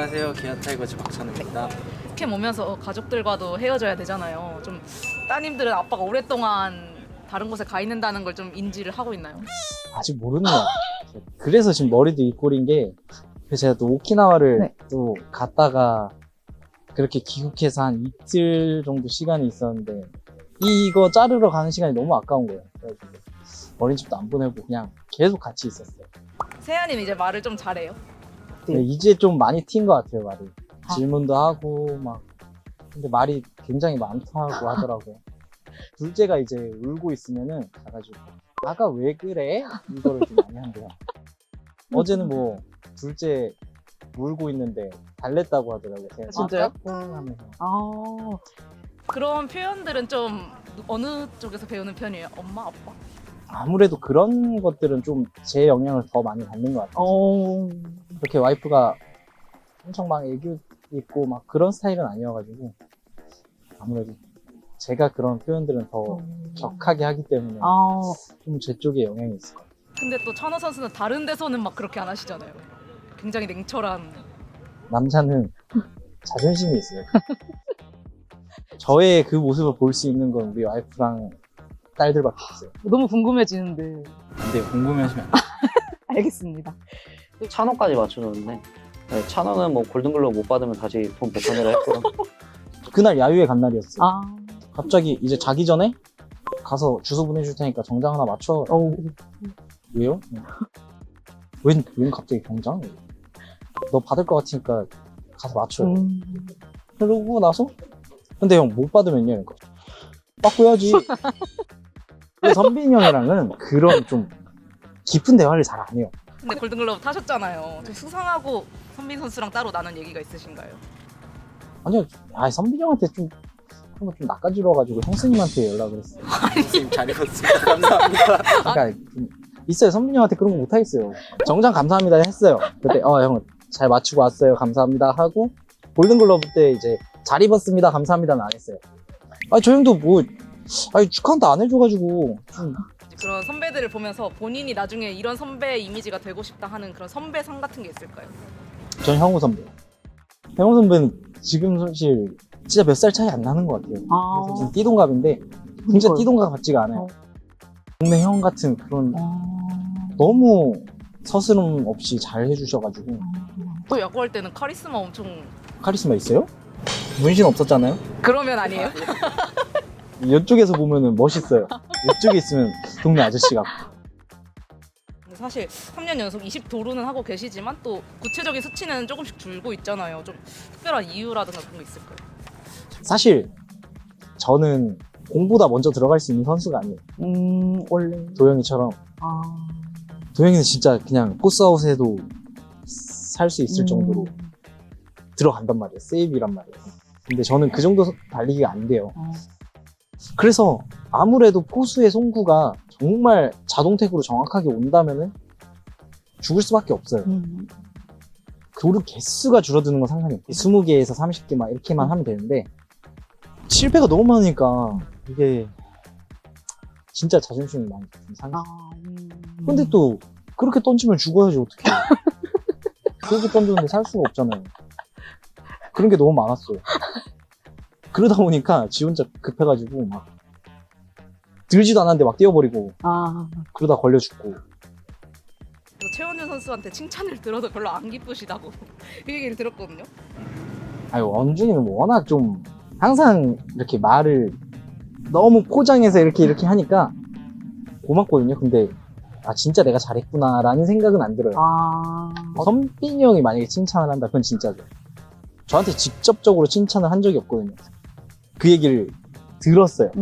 안녕하세요. 기아타이거즈 박찬우입니다. 캠 오면서 가족들과도 헤어져야 되잖아요. 좀 따님들은 아빠가 오랫동안 다른 곳에 가 있는다는 걸 좀 인지를 하고 있나요? 아직 모르는 것 같아요. 그래서 지금 머리도 이 꼴인 게, 그래서 제가 또 오키나와를 네. 또 갔다가 그렇게 귀국해서 한 이틀 정도 시간이 있었는데, 이거 자르러 가는 시간이 너무 아까운 거예요. 그래가지고 어린이집도 안 보내고 그냥 계속 같이 있었어요. 세아님 이제 말을 좀 잘해요. 네, 이제 좀 많이 튄 것 같아요, 말이. 아. 질문도 하고 막. 근데 말이 굉장히 많다고 하더라고요. 둘째가 이제 울고 있으면은 가가지고 아가 왜 그래? 이거를 좀 많이 한대요. 어제는 뭐 둘째 울고 있는데 달랬다고 하더라고요. 제가 진짜요? 하면서. 그런 표현들은 좀 어느 쪽에서 배우는 편이에요? 엄마, 아빠? 아무래도 그런 것들은 좀 제 영향을 더 많이 받는 것 같아요. 그렇게 와이프가 엄청 막 애교 있고 막 그런 스타일은 아니어가지고 아무래도 제가 그런 표현들은 더 격하게 하기 때문에 좀 제 쪽에 영향이 있을 것 같아요. 근데 또 찬호 선수는 다른 데서는 막 그렇게 안 하시잖아요. 굉장히 냉철한. 남자는 자존심이 있어요. 저의 그 모습을 볼 수 있는 건 우리 와이프랑 딸들밖에 없어요. 너무 궁금해지는데. 근데 궁금해하시면 안 돼요. 알겠습니다. 찬호까지 맞춰줬는데 네, 찬호는 뭐 골든글러브 못 받으면 다시 돈 복권을 했고요. 그날 야유회 간 날이었어요. 아, 갑자기 이제 자기 전에 가서 주소 보내줄 테니까 정장 하나 맞춰. 왜요? 웬 갑자기 정장? 너 받을 것 같으니까 가서 맞춰요. 그러고 나서 근데 형 못 받으면요? 그러니까 받고 해야지. 근데 선빈이 형이랑은 그런 좀 깊은 대화를 잘 안 해요. 근데 골든글러브 타셨잖아요. 좀 수상하고 선빈 선수랑 따로 나눈 얘기가 있으신가요? 아니요, 선빈이 형한테 좀 그런 거 좀 낚아지러가지고 형수님한테 연락을 했어요. 선생님 잘 읽었습니다. 감사합니다. 그러니까 좀 있어요. 선빈이 형한테 그런 거 못하겠어요. 정장 감사합니다 했어요. 그때 형 잘 맞추고 왔어요. 감사합니다 하고 골든글러브 때 이제 잘 입었습니다. 감사합니다는 안 했어요. 저 형도 뭐 축하한다 안 해줘가지고 좀 그런 선배들을 보면서 본인이 나중에 이런 선배 이미지가 되고 싶다 하는 그런 선배상 같은 게 있을까요? 전 형우 선배. 형우 선배는 지금 사실 진짜 몇 살 차이 안 나는 것 같아요. 그래서 지금 띠동갑인데 진짜 띠동갑 같지가 않아요. 동네 형 같은 그런 너무 서스름 없이 잘 해주셔가지고. 또 야구할 때는 카리스마 엄청. 카리스마 있어요? 문신 없었잖아요? 그러면 아니에요? 이쪽에서 보면은 멋있어요. 이쪽에 있으면 동네 아저씨 같고. 근데 사실 3년 연속 20도루는 하고 계시지만 또 구체적인 수치는 조금씩 줄고 있잖아요. 좀 특별한 이유라든가 그런 거 있을까요? 사실 저는 공보다 먼저 들어갈 수 있는 선수가 아니에요. 원래. 도영이처럼. 도영이는 진짜 그냥 포스아웃에도 살 수 있을 정도로 들어간단 말이에요. 세이브란 말이에요. 근데 저는 그 정도 달리기가 안 돼요. 그래서 아무래도 포수의 송구가 정말 자동택으로 정확하게 온다면은 죽을 수밖에 없어요. 도루 개수가 줄어드는 건 상관이 없고 20개에서 30개 막 이렇게만 하면 되는데 실패가 너무 많으니까 이게 진짜 자존심이 많이 상해요. 근데 또 그렇게 던지면 죽어야지 어떡해. 그렇게 던졌는데 살 수가 없잖아요. 그런 게 너무 많았어요. 그러다 보니까 지 혼자 급해가지고 막 들지도 않았는데 막 뛰어버리고 그러다 걸려 죽고. 최원준 선수한테 칭찬을 들어도 별로 안 기쁘시다고 그 얘기를 들었거든요. 원준이는 뭐 워낙 좀 항상 이렇게 말을 너무 포장해서 이렇게 하니까 고맙거든요. 근데 진짜 내가 잘했구나 라는 생각은 안 들어요. 선빈이 형이 만약에 칭찬을 한다 그건 진짜죠. 저한테 직접적으로 칭찬을 한 적이 없거든요. 그 얘기를 들었어요.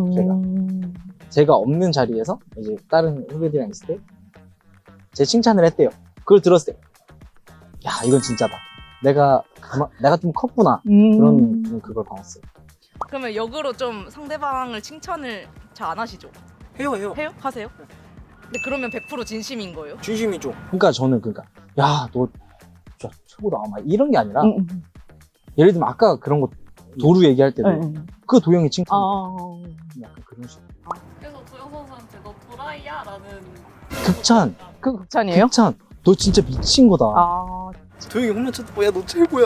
제가 없는 자리에서 이제 다른 후배들이랑 있을 때 제 칭찬을 했대요. 그걸 들었을 때 야 이건 진짜다. 내가 좀 컸구나. 그런 좀 그걸 받았어요. 그러면 역으로 좀 상대방을 칭찬을 잘 안 하시죠? 해요. 해요? 하세요? 근데 그러면 100% 진심인 거예요? 진심이죠. 그러니까 저는 야 너 진짜 최고다 막 이런 게 아니라 예를 들면 아까 그런 거 도루 얘기할 때도 그 도영이 칭찬 약간 그런 식으로 그래서 도영 선수한테 너 도라이야? 라는 극찬 그 극찬이에요? 극찬 너 진짜 미친 거다. 도영이 홈런 쳤다. 야, 너 최고야.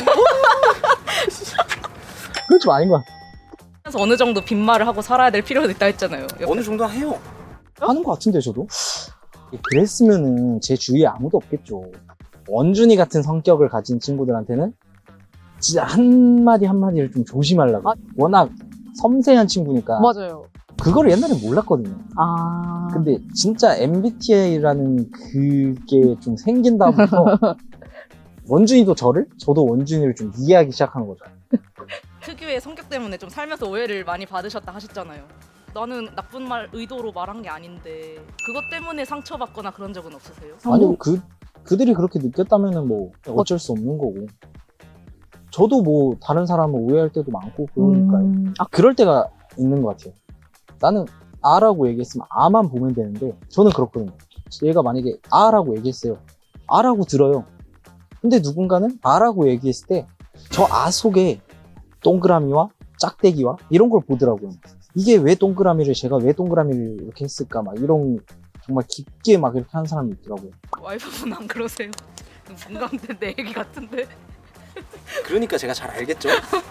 그건 좀 아닌 것 같아. 그래서 어느 정도 빈말을 하고 살아야 될 필요도 있다 했잖아요. 어느 정도 해요. 하는 것 같은데 저도. 그랬으면은 제 주위에 아무도 없겠죠. 원준이 같은 성격을 가진 친구들한테는 진짜 한마디 한마디를 좀 조심하려고. 아. 워낙 섬세한 친구니까 맞아요. 그거를 옛날에 몰랐거든요. 아. 근데 진짜 MBTI라는 그게 좀 생긴 다음부터 원준이도 저를, 저도 원준이를 좀 이해하기 시작하는 거죠. 특유의 성격 때문에 좀 살면서 오해를 많이 받으셨다 하셨잖아요. 나는 나쁜 말 의도로 말한 게 아닌데 그것 때문에 상처받거나 그런 적은 없으세요? 아니요, 그들이 그렇게 느꼈다면은 뭐 어쩔 수 없는 거고. 저도 뭐 다른 사람을 오해할 때도 많고 그러니까요. 아, 그럴 때가 있는 것 같아요. 나는 아라고 얘기했으면 아만 보면 되는데 저는 그렇거든요. 얘가 만약에 아라고 얘기했어요. 아라고 들어요. 근데 누군가는 아라고 얘기했을 때 저 아 속에 동그라미와 짝대기와 이런 걸 보더라고요. 이게 왜 동그라미를, 제가 왜 동그라미를 이렇게 했을까, 막 이런 정말 깊게 막 이렇게 하는 사람이 있더라고요. 와이프분 안 그러세요? 공감된 내 얘기 같은데. 그러니까 제가 잘 알겠죠.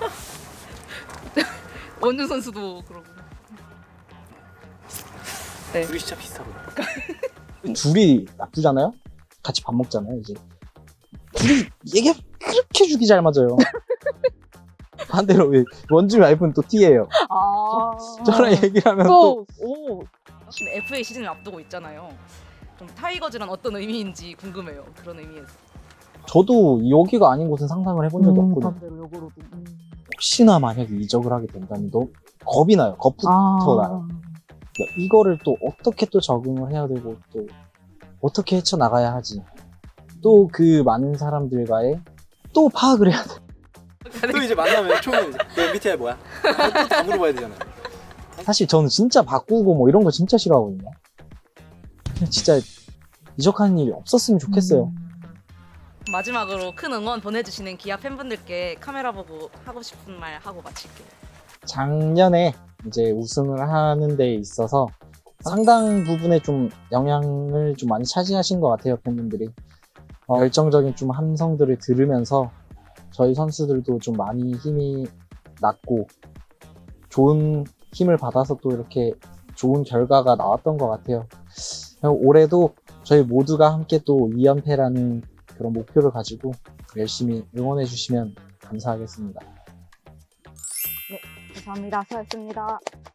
원준 선수도 그러고. 둘이 진짜 비슷하고. 둘이 놔두잖아요? 같이 밥 먹잖아요, 이제. 둘이 얘기가 그렇게 죽이 잘 맞아요. 반대로 왜 원준 와이프는 또 T예요. 아. 저랑 얘기를 하면 또 오. 지금 FA 시즌을 앞두고 있잖아요. 좀 타이거즈란 어떤 의미인지 궁금해요. 그런 의미에서. 저도 여기가 아닌 곳은 상상을 해본 적이 없거든요. 반대로 역으로도. 혹시나 만약에 이적을 하게 된다면 너무 겁이 나요. 겁부터 나요. 이거를 또 어떻게 또 적응을 해야 되고 또 어떻게 헤쳐나가야 하지. 또 그 많은 사람들과의 또 파악을 해야 돼. 또 이제 만나면 처음에 이제 너 MBTI 뭐야? 또 다 물어봐야 되잖아요. 사실 저는 진짜 바꾸고 뭐 이런 거 진짜 싫어하거든요. 그냥 진짜 이적하는 일이 없었으면 좋겠어요. 마지막으로 큰 응원 보내주시는 기아 팬분들께 카메라 보고 하고 싶은 말 하고 마칠게요. 작년에 이제 우승을 하는 데 있어서 상당 부분에 좀 영향을 좀 많이 차지하신 것 같아요, 팬분들이. 열정적인 좀 함성들을 들으면서 저희 선수들도 좀 많이 힘이 났고 좋은 힘을 받아서 또 이렇게 좋은 결과가 나왔던 것 같아요. 올해도 저희 모두가 함께 또 2연패라는 그런 목표를 가지고 열심히 응원해 주시면 감사하겠습니다. 감사합니다. 수고하셨습니다.